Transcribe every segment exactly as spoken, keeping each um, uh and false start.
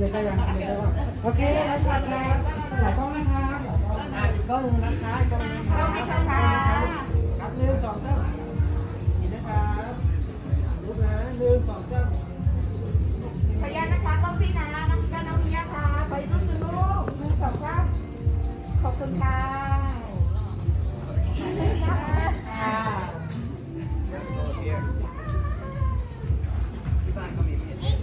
เลยก็ยังเลยก็โอเคแล้วชัดแล้วหลายกล้องนะครับอีกกล้องนึงนะคะอีกกล้องนึงนะครับครับหนึ่งสองสามนี่นะครับรูปนะหนึ่งสองสามขออนุญาตนะคะกล้องพี่นะน้องจ้าน้องมิยะค่ะขออีกรูปหนึ่งลูกหนึ่งสองสามขอบคุณค่ะอ่าที่บ้านก็มีเห็ด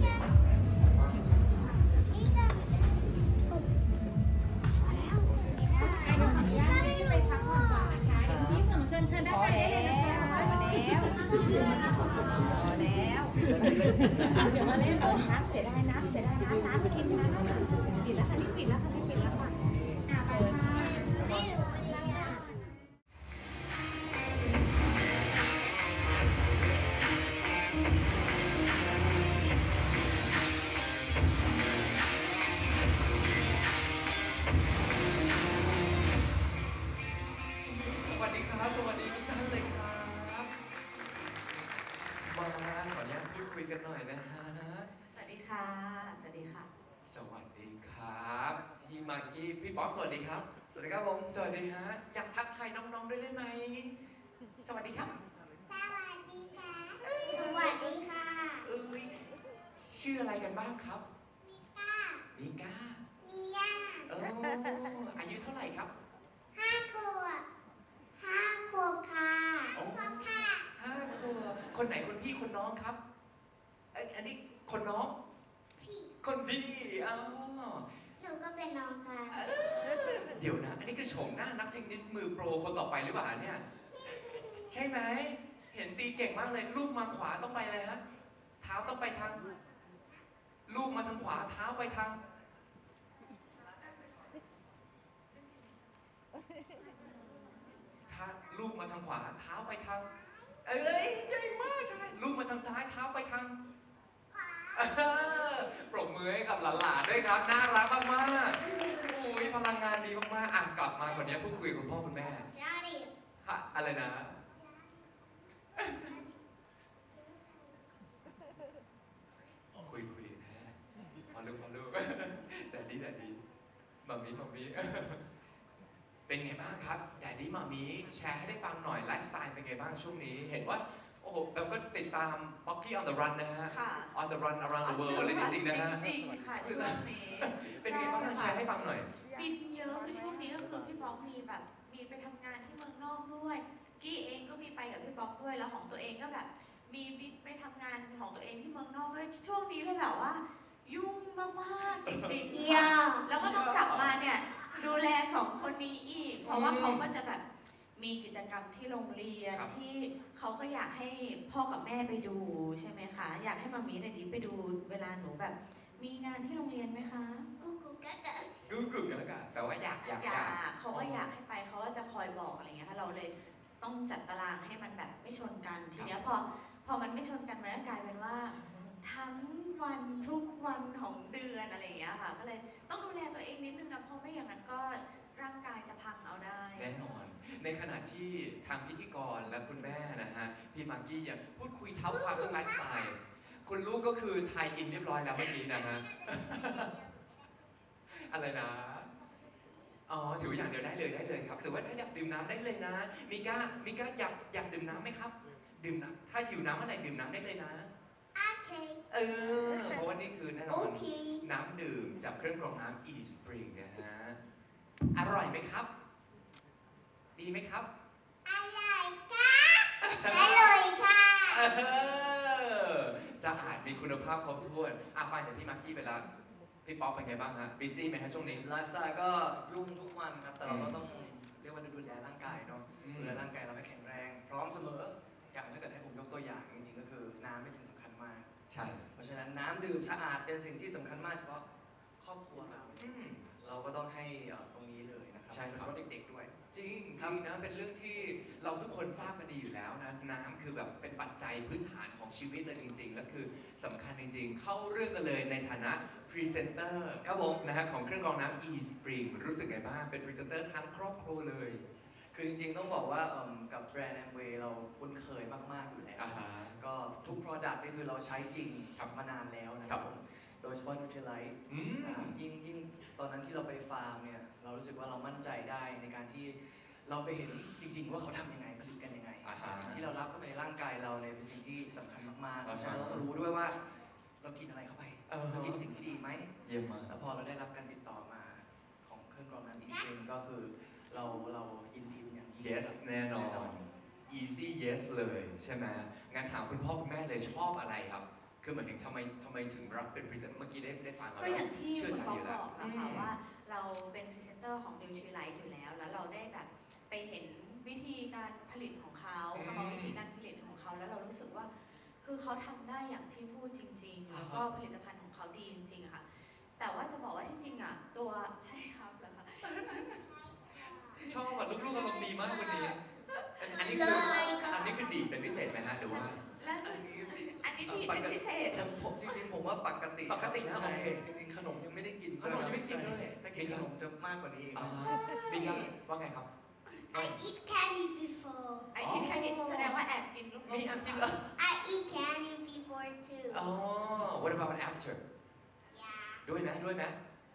เดี๋ยวมาเล่นน้ำเสียดายน้ำเสียดายน้ำน้ำไปกินน้ำปิดแล้วค่ะนี่ปิดแล้วค่ะนี่ปิดแล้วค่ะอ่าไปค่ะสวัสดีครับ สวัสดีทุกท่านเลยครับ มาขออนุญาตพูดคุยกันหน่อยนะฮะสวัสดีค่ะสวัสดีค่ะสวัสดีครับ พี่มากกี้ พี่ป๊อกสวัสดีครับสวัสดีครับผมสวัสดีฮะ อยากทักทายน้องๆด้วยได้ไหม สวัสดีครับสวัสดีค่ะ สวัสดีค่ะเอ้ย ชื่ออะไรกันบ้างครับมิก้ามิก้ามิย่าเอออายุเท่าไหร่ครับห้าขวบห้าขวบค่ะโอ้ขวบค่ะห้าขวบคนไหนคนพี่คนน้องครับเอ้ยอันนี้คนน้องพี่คนพี่อ๋อหนูก็เป็นน้องค่ะเดี๋ยวนะ อันนี้คือโฉมหน้านักเทนนิสมือโปรคนต่อไปหรือเปล่าเนี่ย ใช่ไหม เห็นตีเก่งมากเลย ลูกมาขวาต้องไปเลยฮะ เท้าต้องไปทาง ลูกมาทางขวา เท้าไปทาง ถ้าลูกมาทางขวา เท้าไปทาง เอ้ยเก่งมากใช่ ลูกมาทางซ้าย เท้าไปทาง เออปรบมือให้กับหลานๆด้วยครับ น่ารักมากๆโอ้ยพลังงานดีมากๆอ่ะกลับมาคนนี้พูดคุยกับคุณพ่อคุณแม่ยาดิฮะอะไรนะ คุยคุยนะพอลูกพอลูกแดดดี้แดดดี้มัมมี่มัมมี่เป็นไงบ้างครับแดดดี้มัมมี่แชร์ให้ได้ฟังหน่อยไลฟ์สไตล์เป็นไงบ้างช่วงนี้ เห็นว่าโอ้โหแบบก็ติดตาม Pocky on the run นะฮะค่ะ on the run around the world เลยจริงๆนะฮะจริงๆค่ะช่วงนี้เป็นไงบ้างแชร์ให้ฟังหน่อยบินเยอะคือช่วงนี้ก็คือพี่บ๊อกมีแบบมีไปทำงานที่เมืองนอกด้วย กี้เองก็มีไปกับพี่บ๊อกด้วยแล้วของตัวเองก็แบบมีบินไปทำงานของตัวเองที่เมืองนอกด้วยช่วงนี้เลยแบบว่า ยุ่งมากๆจริงๆยาค่ะแล้วก็ต้องกลับมาเนี่ยดูแลสองคนนี้อีก เพราะว่าเขาก็จะแบบมีกิจกรรมที่โรงเรียนครับที่เขาก็อยากให้พ่อกับแม่ไปดูใช่ไหมคะ อยากให้มามีเดดดี้ไปดูเวลาหนูแบบ มีงานที่โรงเรียนไหมคะกูกูกะกะกึ่งกึ่งแล้วกันแต่ว่าอยากอยากอยากเขาก็อยากให้ไปเขาก็จะคอยบอกอะไรเงี้ยค่ะเราเลยต้องจัดตารางให้มันแบบไม่ชนกันทีเนี้ยพอพอมันไม่ชนกันมันก็กลายเป็นว่า ทั้งวันทุกวันของเดือนอะไรอย่างเงี้ยค่ะก็เลยต้องดูแลตัวเองนิดนึงนะเพราะไม่อย่างนั้นก็ร่างกายจะพังเอาได้แน่นอน ในขณะที่ทางพิธีกรและคุณแม่นะฮะ พี่มากกี้ยังพูดคุยเท้าความเรื่องไลฟ์สไตล์ คุณลูกก็คือไทยอินเรียบร้อยแล้วเมื่อกี้นะฮะ อะไรนะ อ๋อ ถือว่าอย่างเดียวได้เลยได้เลยครับ หรือว่าถ้าอยากดื่มน้ำได้เลยนะ มิก้า มิก้าอยากอยากดื่มน้ำไหมครับ ดื่มน้ำถ้าหิวน้ำเมื่อไหร่ดื่มน้ำได้เลยนะโอเคเออ เพราะว่านี่คือแน่นโออนเคน้ำดื่มจากเครื่องกรองน้ำ eSpring นะฮะ อร่อยไหมครับ ดีไหมครับอร่อยค่ะอร่อยค่ะเออสะอาดมีคุณภาพครบถ้วนอ่ะฟังจากพี่มากกี้ไปแล้ว พี่ป๊อกเป็นไงบ้างฮะบิซี่ไหมฮะช่วงนี้ไลฟ์สไตล์ก็ยุ่งทุกวันครับ แต่เราก็ต้องเรียกว่าดูแลร่างกายเนาะอืมดูแลร่างกายเราให้แข็งแรง พร้อมเสมอ อย่างถ้าเกิดให้ผมยกตัวอย่างจริงๆก็คือน้ำเป็นสิ่งสำคัญมากใช่เพราะฉะนั้นน้ำดื่มสะอาดเป็นสิ่งที่สำคัญมากเฉพาะครอบครัวเราอืมเราก็ต้องให้เอ่อตรงนี้เลยนะครับใช่ครับโดยเฉพาะเด็กๆด้วยจริงจครัริบงนะเป็นเรื่องที่เราทุกคนทราบกันดีอยู่แล้วนะน้ำคือแบบเป็นปัจจัยพื้นฐานของชีวิตเลยจริงๆและคือสำคัญจริงๆ เข้าเรื่องกันเลยในฐานะพรีเซนเตอร์ครับผมนะฮะของเครื่องกรองน้ำ eSpring รู้สึกไงบ้างเป็นพรีเซนเตอร์ทั้งครอบครัวเลยคือจริงๆต้องบอกว่าเอิ่มกับแบรนด์แอมเวย์เราคุ้นเคยมากๆอยู่แล้วอ่าฮะก็ทุก Product นี่คือเราใช้จริงครับมานานแล้วนะคครัรับบ ผมโดยเฉพาะนูเทลไลท์อืมยิ่งยิ่งตอนนั้นที่เราไปฟาร์มเนี่ยเรารู้สึกว่าเรามั่นใจได้ในการที่เราไปเห็นจริง ๆ ว่าเขาทำยังไงผลิตกันยังไงอ่าฮะสิ่งที่เรารับเข้าไปในร่างกายเราเนี่ยเป็นสิ่งที่สำคัญมากๆเพอ่าฮะราะฉะนั้นเราก็รู้ด้วยว่าเรากินอะไรเข้าไปเออเรากินสิ่งที่ดีไหมเยี่ยมมากแล้วพอเราได้รับการติดต่อมาของเครื่องกรองน้ำอีสเองก็คือเราเรายินดีเป็นอย่างยิ่ง yes แน่นอน easy yes เลยใช่ไหมงั้นถามคุณพ่อคุณแม่เลยชอบอะไรครับ คือเหมือนถึงทำไมทำไมถึงรับเป็นพรีเซนเตอร์เมื่อกี้ได้ได้ฟังแล้วก็อย่างที่เชื่อคุณใจป๊ออก ยู่บแล้วอกนะคะว่าเราเป็นพรีเซนเตอร์ของ Nutrilite อยู่แล้ว แล้วเราได้แบบไปเห็นวิธีการผลิตของเขาอืมกรรมวิธีการผลิตของเขาแล้วเรารู้สึกว่า คือเขาทำได้อย่างที่พูดจริง ๆ แล้วก็อ่าฮะผลิตภัณฑ์ของเขาดีจริงๆอะค่ะ แต่ว่าจะบอกว่าที่จริงอ่ะตัวใช่ครับเหรอคะชอบอ่ะลูกๆอารมณ์ดีมากวันนี้ อันอันนี้คืออันนี้คือดีดเป็นพิเศษไหมฮะหรือว่าและอันนี้อันนี้ดีเป็นพิเศษผมผมจริงๆ ผมว่าปกติปกตินะใช่โอเคจริงๆ ขนมยังไม่ได้กินขนมยังไม่ได้กินเลยถ้ากินขนมจะมากกว่านี้อีกอ่าบิ๊กครับว่าไงครับ I eat candy before ไอ้ที่แค่นี้แสดงว่าแอบกินลูกมีอันจริงเหรอ I eat candy before too อ๋อ what about after yeah ด้วยไหมด้วยไหม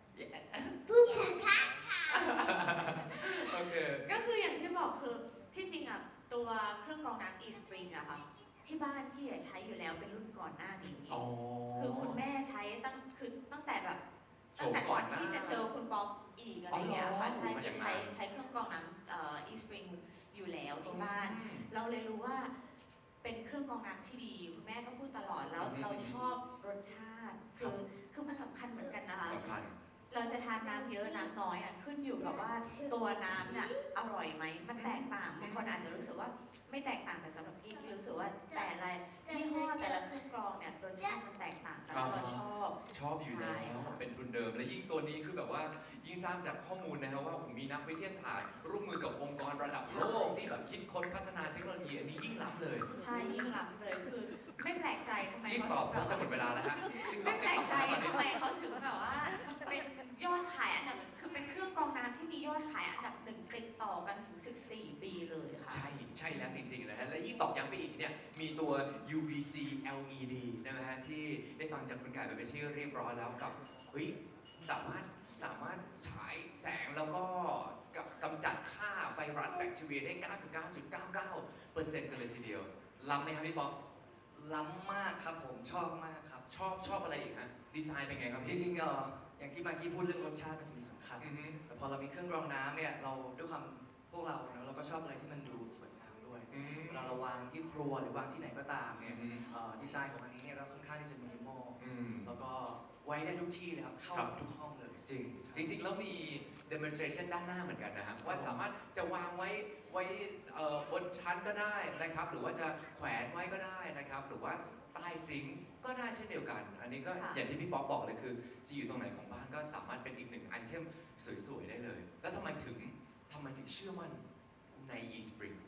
poo poo caca โอเคก็คืออย่างที่บอกคือที่จริงอ่ะตัวเครื่องกรองน้ำ e-spring อะค่ะที่บ้านพี่อะใช้อยู่แล้วเป็นรุ่นก่อนหน้านี้อ๋อคือคุณแม่ใช้ตั้งคือตั้งแต่แบบโฉตั้งมแต่ก่ก่ออน นหน้าที่จะเจอคุณป๊อปอีกอะไรเงี้ยอ๋อค่ะใช่มาอย่างนั้นใช้ใช้เครื่องกรองน้ำเอ่อ e-spring อยู่แล้วที่บ้านอืมเราเลยรู้ว่าเป็นเครื่องกรองน้ำที่ดีคุณแม่ก็พูดตลอดแล้วอืมเราชอบรสชาติ คือคือมันสำคัญเหมือนกันนะคะสำคัญเราจะทานน้ำเยอะน้ำน้อยอ่ะขึ้นอยู่กับว่าตัวน้ำเนี่ยอร่อยไหมมันแตกต่างบางคนอาจจะรู้สึกว่าไม่แตกต่างแต่สำหรับพี่พี่รู้สึกว่าแต่ละยี่ห้อแต่ละเครื่องกรองเนี่ยรสชาติมันแตกต่างกันแล้วเราชอบชอบอยู่แล้วใช่ค่ะเป็นทุนเดิม และยิ่งตัวนี้คือแบบว่ายิ่งทราบจากข้อมูลนะครับว่าผมมีนักวิทยาศาสตร์ ร่วมมือกับองค์กรระดับโลกที่แบบคิดค้นพัฒนาเทคโนโลยีอันนี้ยิ่งล้ำเลยใช่ยิ่งล้ำเลยคือไม่แปลกใจทำไมรีบเขาตอบเพถึราะงจะหมดเวลาแล้วฮะไม่แปลกใจทำไมเขาถึงแบบว่าเป็นยอดขายอันดับคือเป็นเครื่องกรองน้ำที่มียอดขายอันดับหนึ่งติดต่อกันถึงสิบสี่ปีเลยค่ะใช่ ใช่แล้วจริงๆนะฮะ และยิ่งตอกย้ำไปอีกเนี่ย มีตัว ยู วี ซี แอล อี ดี นะฮะที่ได้ฟังจากคุณไก่ไปเป็นที่เรียบร้อยแล้วกับ เฮ้ย สามารถ สามารถฉายแสงแล้วก็กำจัดฆ่าไวรัสแบคทีเรียได้ เก้าสิบเก้าจุดเก้าเก้าเปอร์เซ็นต์ กันเลยทีเดียว ล้ำไหมครับพี่ป๊อปล้ำมากครับผมชอบมากครับชอบชอบอะไรอีกฮะ ดีไซน์เป็นไงครับจพี่ริงๆเอ่ออย่างที่มากกี้พูดเรื่องรสชาติเป็นสิ่งสำคัญอือฮึแต่พอเรามีเครื่องกรองน้ำเนี่ยเราด้วยความพวกเราเนอะเราก็ชอบอะไรที่มันดูสวยงามด้วยอืมเวลาเราวางที่ครัวหรือวางที่ไหนก็ตามอืเนี่ยมเอ่อดีไซน์ของอันนี้เนี่ยก็ค่อนข้างที่จะมินิมอลอืมแล้วก็ไว้ได้ทุกที่เลยครับเข้าครับทุกห้องเลยจริง จริงๆ แล้วมี demonstration ด้านหน้าเหมือนกันนะครับว่าสามารถจะวางไว้ไว้เอ่อบนชั้นก็ได้นะครับ หรือว่าจะแขวนไว้ก็ได้นะครับ หรือว่าใต้ซิงค์ก็ได้เช่นเดียวกัน อันนี้ก็ค่ะอย่างที่พี่ป๊อกบอกเลยคือ จะอยู่ตรงไหนของบ้านก็สามารถเป็นอีกหนึ่งไอเทมสวยๆ ได้เลย แล้วทำไมถึงทำไมถึงเชื่อมั่นใน eSpring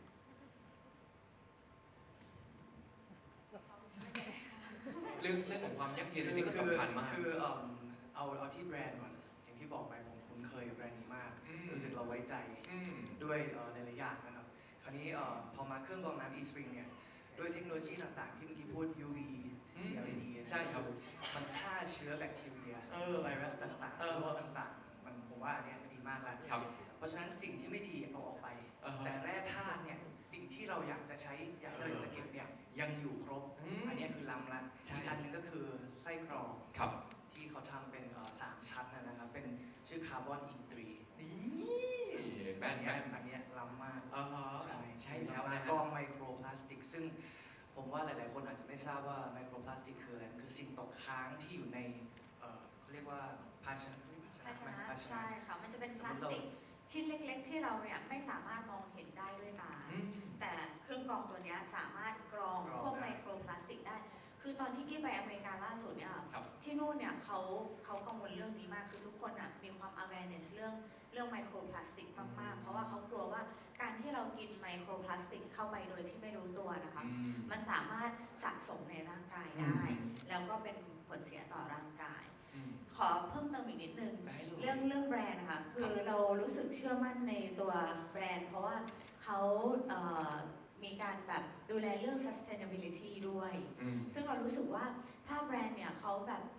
เรื่องเรื่องของความยั่งยืนอันนี้ก็สำคัญมากคือเอิ่มเอาเอาที่แบรนด์ก่อน อย่างที่บอกไปผมคุ้นเคยกับแบรนด์นี้มากอืมรู้สึกเราไว้ใจอืมด้วยเอ่อหลายๆอย่างนะครับ คราวนี้เอ่อพอมาเครื่องกรองน้ำ eSpring เนี่ย ด้วยเทคโนโลยีต่างๆ ที่เมื่อกี้พูด ยู วี ซี แอล อี ดีใช่ครับมันฆ่าเชื้อแบคทีเรียเออไวรัสต่างๆเออเชื้อโรคต่างๆ มันผมว่าอันเนี้ยดีมากแล้วครับเพราะฉะนั้นสิ่งที่ไม่ดีเอาออกไปอ่าฮะแต่แร่ธาตุเนี่ยสิ่งที่เราอยากจะใช้อยากเราอยากจะเก็บเนี่ยยังอยู่ครบอืมอันเนี้ยคือล้ำละใช่อีกอันหนึงก็คือไส้กรองครับที่เขาทำเป็นเอ่อสามชั้นนะนะครับ เป็นชื่อคาร์บอนอีทรีนี่แบอันนแบเนี้ยนอันเนี้ยล้ำมากอ่าฮะใช่ใช่แล้วมานะกรฮะองไมโครพลาสติก ซึ่งผมว่าหลายๆ คนอาจจะไม่ทราบว่าไมโครพลาสติกคืออะไรมันคือสิ่งตกค้างที่อยู่ในเอ่อเขาเรียกว่าภาชนะเขาเรียกภาชไหมนะภาชนะใช่ค่ะ มันจะเป็นพลาสติกชิ้นเล็ก ๆ ที่เราเนี่ยไม่สามารถมองเห็นได้ด้วยตาอืมแต่เครื่องกรองตัวเนี้ยสามารถกรองกรองพวกได้ไมโครพลาสติกได้ คือตอนที่กี้ไปอเมริกาล่าสุดเนี่ยครับที่นู่นเนี่ยเขาเขากังวลเรื่องนี้มาก คือทุกคนอ่ะมีความ awareness เรื่องเรื่องไมโครพลาสติกมาก ๆ เพราะว่าเขากลัวว่าการที่เรากินไมโครพลาสติกเข้าไปโดยที่ไม่รู้ตัวนะคะอืมมันสามารถสะสมในร่างกายอืได้มแล้วก็เป็นผลเสียต่อร่างกายอืมขอเพิ่มเติมอีกนิดนึงได้เลยเรื่องเรื่องแบรนด์นะคะคือเรารู้สึกเชื่อมั่นในตัวแบรนด์ เพราะว่าเขาเอ่อมีการแบบดูแลเรื่อง sustainability ด้วยอืมซึ่งเรารู้สึกว่าถ้าแบรนด์เนี่ยเขาแบบ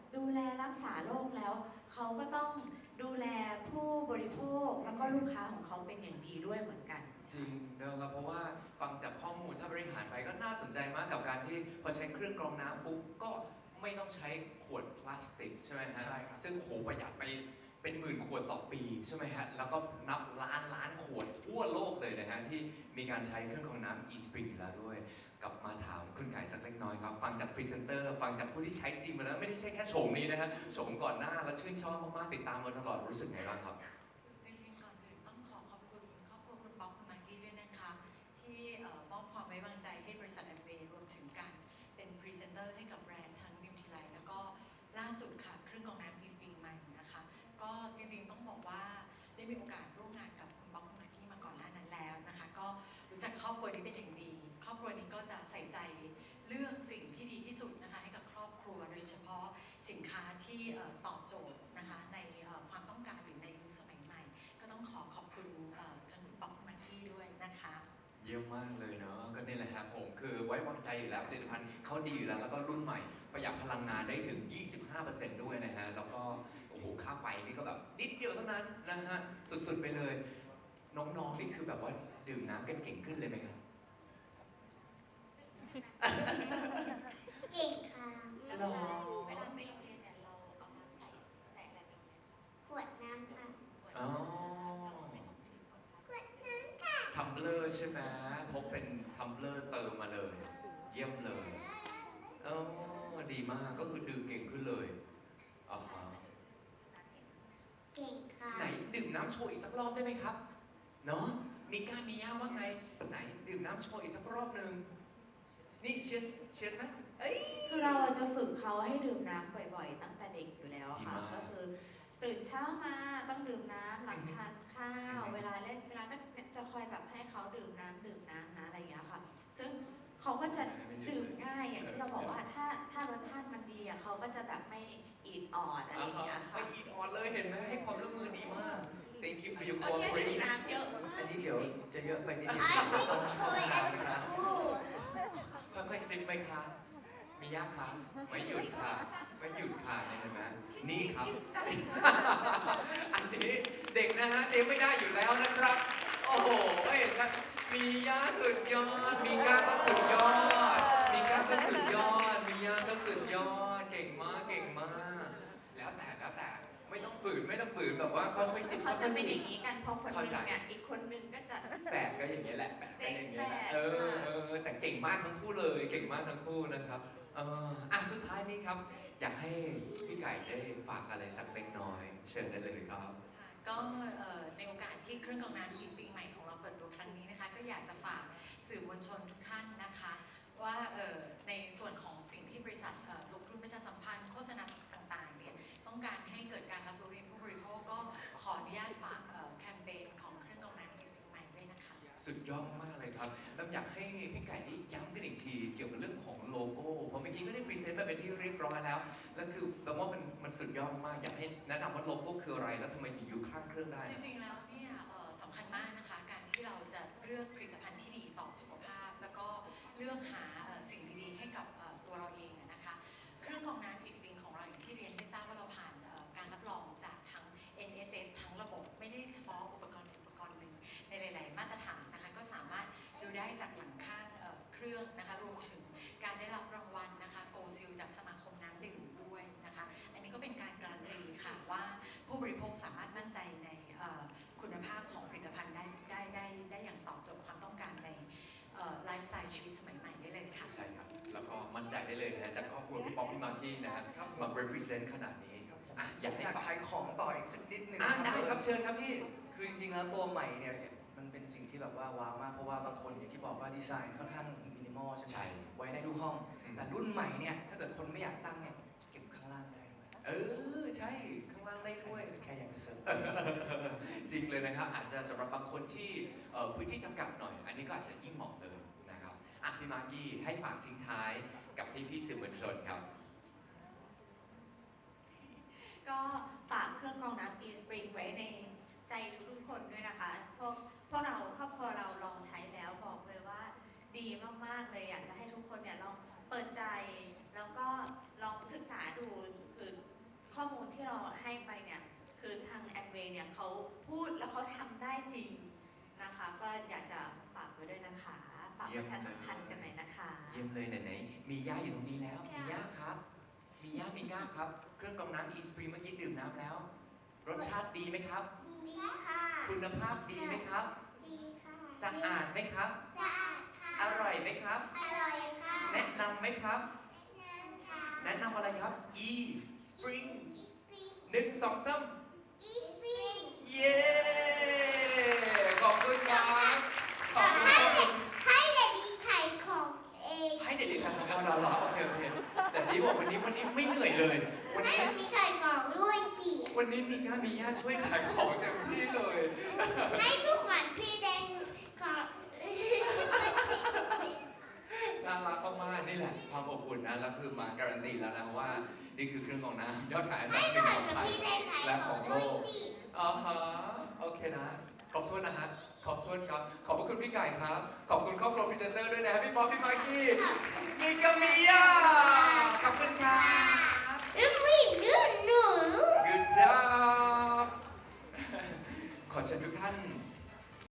ดูแลรักษาโรคแล้วเขาก็ต้องดูแลผู้บริโภคแล้วก็ลูกค้าของเขาเป็นอย่างดีด้วยเหมือนกันจริงนะครับเพราะว่าฟังจากข้อมูลถ้าบริหารไปก็น่าสนใจมากกับการที่พอใช้เครื่องกรองน้ำปุ๊บก็ไม่ต้องใช้ขวดพลาสติกใช่ไหมฮะใช่ครับซึ่งโหประหยัดไปเป็นหมื่นขวดต่อปีใช่ไหมฮะแล้วก็นับล้านล้านขวดทั่วโลกเลยนะฮะที่มีการใช้เครื่องกรองน้ำ eSpring อยู่แล้วด้วยกลับมาถามคุณไก่สักเล็กน้อยครับฟังจากพรีเซนเตอร์ฟังจากผู้ที่ใช้จริงมาแล้วไม่ได้ใช่แค่โฉมนี้นะฮะโฉมก่อนหน้าแล้วชื่นชอบมากๆติดตามมาตลอดรู้สึกไงบ้างครับจริงๆก่อนอื่นต้องขอขอบคุณครอบครัวคุณป๊อกคุณมากกี้ด้วยนะคะ ที่เอ่อมอบความไว้วางใจให้บริษัทแอมเวย์รวมถึงการเป็นพรีเซนเตอร์ให้กับแบรนด์ทั้งนิวทรีไลท์แล้วก็ล่าสุดค่ะเครื่องกรองน้ำ eSpring ใหม่นะคะ ก็จริงๆต้องบอกว่าได้มีโอกาสร่วมงานกับคุณป๊อกคุณมากกี้มาก่อนหน้านั้นแล้วนะคะ ก็รู้จักครอบครัวนี้เป็นอย่างดี ครอบครัวนี้ก็จะใส่ใจเลือกสิ่งที่ดีที่สุดนะคะให้กับครอบครัวโดยเฉพาะสินค้าที่เอ่อตอบโจทย์นะคะในเอ่อความต้องการหรือในยุคสมัยใหม่ ก็ต้องขอขอบคุณเอ่อทั้งคุณป๊อกคุณมากกี้ด้วยนะคะเยี่ยมมากเลยเนาะก็นี่แหละครับผมคือไว้วางใจอยู่แล้วผลิตภัณฑ์เขาดีอยู่แล้วแล้วก็รุ่นใหม่ประหยัดพลังงานได้ถึง ยี่สิบห้าเปอร์เซ็นต์ ด้วยนะฮะแล้วก็โอ้โหค่าไฟนี่ก็แบบนิดเดียวเท่านั้นนะฮะสุดๆไปเลย น้องๆนี่คือแบบว่าดื่มน้ำกันเก่งขึ้นเลยไหมครับเก่งค่ะหรอเวลาไปโรงเรียนเนี่ยเราเอาน้ำใส่ใส่อะไรไปโรงเรียนคะขวดน้ำค่ะอ๋อขวดน้ำค่ะทัมเบลอร์ใช่ไหมพกเป็นทัมเบลอร์เติมมาเลย เยี่ยมเลยเออดีมากก็คือดื่มเก่งขึ้นเลยอ๋อฮะเก่งค่ะไหนดื่มน้ำโชว์อีกสักรอบได้ไหมครับ เนาะมีก้ามีย่าว่าไง ไหนดื่มน้ำโชว์อีกสักรอบหนึ่งนี่เชียร์เชียร์ไหมเอ้ยคือเราอะจะฝึกเขาให้ดื่มน้ำบ่อยๆ ตั้งแต่เด็กอยู่แล้วค่ะดีมากก็คือตื่นเช้ามาต้องดื่มน้ำหลังทานข้าวอืมเวลาเล่นเวลาก็จะคอยแบบให้เขาดื่มน้ำดื่มน้ำนะอะไรอย่างเงี้ยค่ะ ซึ่งเขาก็จะดื่มง่ายอย่างที่เราบอกว่าถ้าถ้ารสชาติมันดีอะเขาก็จะแบบไม่อีดออดอะไรอย่างเงี้ยไปค่ะอีดออนเลยเห็นไหมให้ความร่วมมือดีมาก thank you for your ตอนนี้ดื่ม cooperation น้ำเยอะมากอันนี้เดี๋ยวจะเยอะไปนิดนึง I think toy at school ค่อยๆซิปไปค่ะมียากครับไม่หยุดค่ะ ไม่หยุดค่ะเห็นไหมนี่ครับ อันนี้เด็กนะฮะเด็กไม่ได้อยู่แล้วนะครับ โอ้โหเห็นครับมีย่าสุดยอด มีก้าก็สุดยอด มีก้าก็สุดยอด มีย่าก็สุดยอด เก่งมาก เก่งมาก แล้วแต่แล้วแต่ไม่ต้องฝืนไม่ต้องฝืนแบบว่าค่อยๆจิบเขาค่จะอยเป็นๆอจิบย่างนี้กันพอคนหนึงเนี่ยอีกคนหนึงก็จะแฝดก็อย่างนี้ยแหละแฝดก็อย่างนี้ยแหละเด็กแฝดเออเออแต่เก่งมากทั้งคู่เลย เก่งมากทั้งคู่นะครับเอออ่ะสุดท้ายนี้ครับ อยากให้พี่ไก่ได้ฝากอะไรสักเล็กน้อย เชิญได้เลยครับค่ะก็เอ่อในโอกาสที่เครื่องกรองน้ำ eSpring ใหม่ของเราเปิดตัวครั้งนี้นะคะ ก็อยากจะฝากสื่อมวลชนทุกท่านนะคะ ว่าเอ่อในส่วนของสิ่งที่บริษัทเอ่อลงทุนประชาสัมพันธ์โฆษณาต่างๆเนี่ยต้องการให้เกิดการรับรู้ในผู้บริโภคก็ขออนุญาตฝากเอ่อแคมเปญของเครื่องกรองน้ำ eSpring ใหม่ด้วยนะคะสุดยอดมากเลยครับ แล้วอยากให้พี่ไก่ได้ย้ำกันอีกทีเกี่ยวกับเรื่องของโลโก้เพราะเมื่อกี้ก็ได้พรีเซนต์ไปเป็นที่เรียบร้อยแล้ว แล้วคือแปลว่ามันมันสุดยอดมาก อยากให้แนะนำว่าโลโก้คืออะไร แล้วทำไมถึงอยู่ข้างเครื่องได้จริงๆ แล้วเนี่ยเอ่อสำคัญมากนะคะ การที่เราจะเลือกผลิตภัณฑ์ที่ดีต่อสุขภาพ แล้วก็เลือกหาเอ่อสิ่งดีๆ ให้กับเอ่อตัวเราเองอะนะคะ เครื่องกรองน้ำ eSpring ของเราอย่างที่เรียนให้ทราบว่าเราผ่านเอ่อการรับรองจากทั้ง เอ็น เอส เอฟ ทั้งระบบ ไม่ได้เฉพาะอุปกรณ์อุปกรณ์หนึ่งในหลาย ๆ มาตรฐานนะคะ ก็สามารถดูได้จากหลังข้างเอ่อเครื่องนะคะ รวมถึงการได้รับรางวัลนะคะโกซิลจากสมาคมน้ำดื่มด้วยนะคะ อันนี้ก็เป็นการการันตีค่ะว่าผู้บริโภคสามารถมั่นใจในเอ่อคุณภาพของผลิตภัณฑ์ได้ได้ได้ได้อย่างตอบโจทย์ความต้องการในไลฟ์สไตล์ชีวิตสมัยใหม่ได้เลยค่ะใช่ครับ แล้วก็มั่นใจได้เลยนะฮะจากครอบครัวพี่ป๊อกพี่มากกี้นะฮะครับผมมา represent ขนาดนี้ครับผมอ่ะอยากให้อยากฝากขายของต่ออีกสักนิดนึงอ่ะได้ครับเชิญครับพี่คือจริงๆแล้วตัวใหม่เนี่ยมันเป็นสิ่งที่แบบว่าว้าวมากเพราะว่าบางคนอย่างที่บอกว่าดีไซน์ค่อนข้างมินิมอลใช่ไหมใช่ไว้ในทุกห้องอืมแต่รุ่นใหม่เนี่ยถ้าเกิดคนไม่อยากตั้งเนี่ยเก็บข้างล่างได้ด้วยเออใช่ข้างล่างได้ด้วยแค่อยากจะเสริมจริงเลยนะครับอาจจะสำหรับบางคนที่เอ่อพื้นที่จำกัดหน่อย อันนี้ก็อาจจะยิ่งเหมาะเลยนะครับอ่ะพี่มากกี้ให้ฝากทิ้งท้ายกับพี่พี่ๆสื่อมวลชนครับก็ฝากเครื่องกรองน้ำ eSpring ไว้ในใจทุกๆคนด้วยนะคะ พวกพวกเราครอบครัวเราลองใช้แล้วบอกเลยว่าดีมากๆเลยอยากจะให้ทุกคนเนี่ยลองเปิดใจ แล้วก็ลองศึกษาดูคือที่เราให้ไปเนี่ยคือทางแอดเวย์เนี่ยเขาพูดแล้วเขาทำได้จริงนะคะก็อยากจะฝากไว้ด้วยนะคะฝากประชาสัมพันธ์กันหน่อยนะคะเยี่ยมเลยไหนๆมีย่าอยู่ตรงนี้แล้ว มีย่าครับ มีย่ามีก้าครับ เครื่องกรองน้ำ eSpring เมื่อกี้ดื่มน้ำแล้ว รสชาติดีไหมครับดีค่ะคุณภาพดีไหมครับดีค่ะสะอาดไหมครับสะอาดค่ะอร่อยไหมครับอร่อยค่ะแนะนำไหมครับแนะนำค่ะแนะนำอะไรครับ eSpring อีสปริงหนึ่งสองสามอีสปริงเย้ ขอบคุณครับ ขอบคุณให้ครับเด็กให้เด็กดีขายของเองให้เด็กๆกันเอาเราเหรอโอเคโอเค แต่ดีบอกวันนี้วันนี้ไม่เหนื่อยเลย วันให้นี้มีขายของด้วยสิวันนี้มีก้ามีย่าช่วยขายของเต็มที่เลยให้ลูกหวานพี่แดงขอน่ารักมากๆนี่แหละความอบอุ่นนะแล้วคือมาการันตีแล้วนะว่านี่คือเครื่องกรองน้ำยอดขายอันดัให้บหนึ่งขายของกับไทยพี่แดงขายและขขออง งโลด้วยกสิอ่าฮะโอเคนะ ขอบคุณนะฮะ ขอบคุณครับ ขอบพระคุณพี่ไก่ครับ ขอบคุณครอบครัวพรีเซนเตอร์ด้วยนะพี่ป๊อปพี่มากกี้มีกามิยาขอบคุณ